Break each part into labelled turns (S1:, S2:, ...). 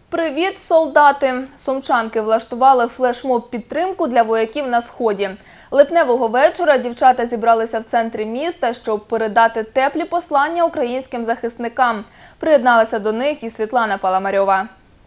S1: Привіт, солдати! Сумчанки влаштували флешмоб підтримку для вояків на Сході. Липневого вечора дівчата зібралися в центрі міста, щоб передати теплі послання українським захисникам. Приєдналася до них і Світлана Паламарьова.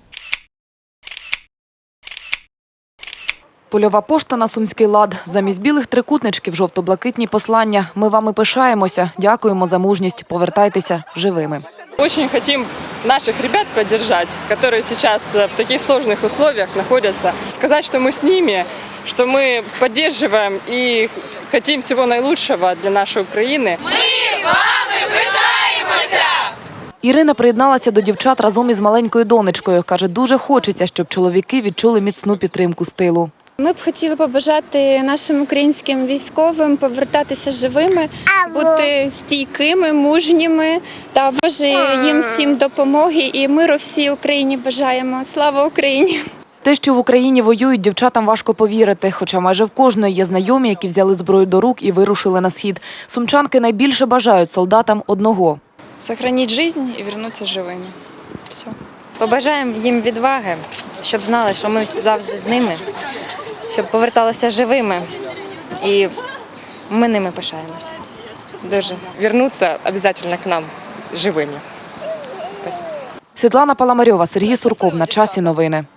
S2: Польова пошта на сумський лад. Замість білих трикутничків жовто-блакитні послання. Ми вами пишаємося, дякуємо за мужність, повертайтеся живими.
S3: Очень хотим наших ребят поддержать, которые сейчас в таких сложных условиях находятся. Сказать, что мы с ними, что мы поддерживаем и хотим всего наилучшего для нашей Украины.
S4: Ми вами пишаємося!
S2: Ірина приєдналася до дівчат разом із маленькою донечкою. Каже, дуже хочеться, щоб чоловіки відчули міцну підтримку з тилу.
S5: Ми б хотіли побажати нашим українським військовим повертатися живими, бути стійкими, мужніми та Боже їм всім допомоги і миру всій Україні бажаємо. Слава Україні!
S2: Те, що в Україні воюють, дівчатам важко повірити, хоча майже в кожної є знайомі, які взяли зброю до рук і вирушили на схід. Сумчанки найбільше бажають солдатам одного
S6: – сохранить жизнь і повернутися живими. Все.
S7: Побажаємо їм відваги, щоб знали, що ми завжди з ними, щоб поверталися живими, і ми ними пишаємося. Дуже.
S8: Вернуться обязательно к нам живими. Спасибо.
S2: Світлана Паламарьова, Сергій Сурков. На часі новини.